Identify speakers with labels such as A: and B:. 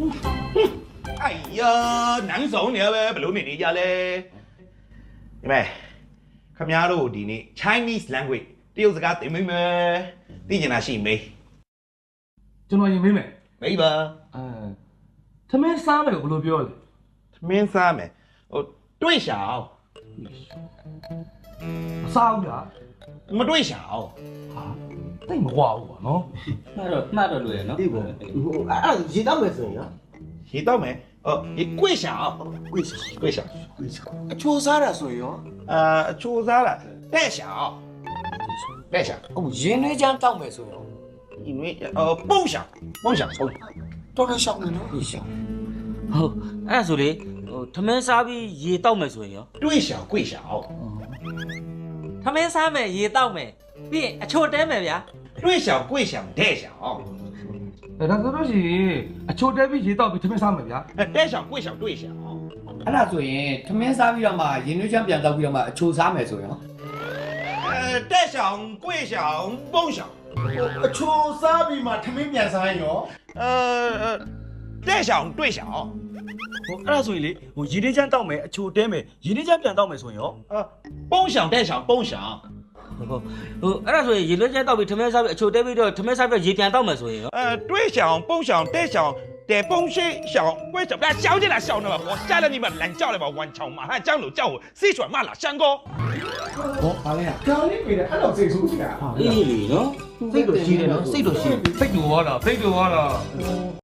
A: 哎呀，难受你呗，不露面你家嘞。你们，看伢都的呢 Chinese language， 这有自家对没没？你讲那是没？
B: ကျွန်တော်ရင်မေးမယ်
A: 没吧？
B: သမင်းစားမယ်ကိုဘယ်လိုပြောလဲ
A: 没啥没？哦，对小，
B: မစားဘူးလား
A: 没对小。
B: ဟာတိတ်မဝဘူးပေါ့နော်
C: မှတ်တော့လွယ်နော်
D: ဒီပေါ့အဲ့ဒါရေတောက်မယ်ဆိုရင်ရော
A: 知道没？哦，你贵小，
D: ကိုယ်စီ
A: 贵小。
D: ကိုယ်စီအချိုးစားတာဆိုရင်ရော
A: 出啥了？带小，带小。
D: ဟုတ်ရင်းနှွေးချမ်းတောက်မယ်ဆိုရင်ရော
A: 因为梦想，梦想抽。
D: တော်တော်ရှောင်းနေနော်ဒီရှောင်း
C: ဟုတ်အဲ့ဒါဆိုလေဟိုထမင်းစားပြီးရေတောက်မယ်ဆိုရင်ရော
A: 对小贵小，
C: ထမင်းစားမယ်ရေတောက်မယ်ပြီးရင်အချို့တဲမယ်ဗျာ
A: 对小贵小带小，
B: ဒါဆိုလို့ရှိရင်အချိုတဲပြီးရေတောက်ပြီးသမင်းစားမယ်ဗျာ
A: 带小贵小对小。
E: အဲ့ဒါဆိုရင်ထမင်းစားပြီးတော့မှရင်နွေးချမ်းပြန်တောက်ပြီးတော့မှအချိုစားမယ်ဆိုရင်ရော
A: 带小贵小梦想，
D: အချိုးစားပြီးမှထမင်းပြန်စားရင်ရော
A: 带小对小，
F: ဟိုအဲ့ဒါဆိုရင်လေဟိုရင်းနှီးချမ်းတောက်မယ်အချိုတဲမယ်ရင်းနှီးချမ်းပြန်တောက်မယ်ဆိုရင်ရော
A: 梦想带小梦想，
C: ဟုတ်ဟိုအဲ့ဒါဆိုရင်ရေလွှဲချမ်းတောက်ပြီးထမင်းစားပြီးအချိုတဲပြီးတော့ထမင်းစားပြီးရေပြန်တောက်မယ်ဆိုရင်ရော
A: 对小梦想带小。得风水小，为什么小姐来小呢嘛？我下了你们懒觉了吧？顽强马汉江路叫我四川骂了山哥。
E: ဟောပါလဲ
D: ကြောင်လေးပြေတယ်အဲ့လိုစိတ်ဆိုးနေတာ
C: အေးလေနော်
B: စိတ်တော့ရှိတယ်နော်စိတ်တော့ရှိစိတ်တူသွားတာ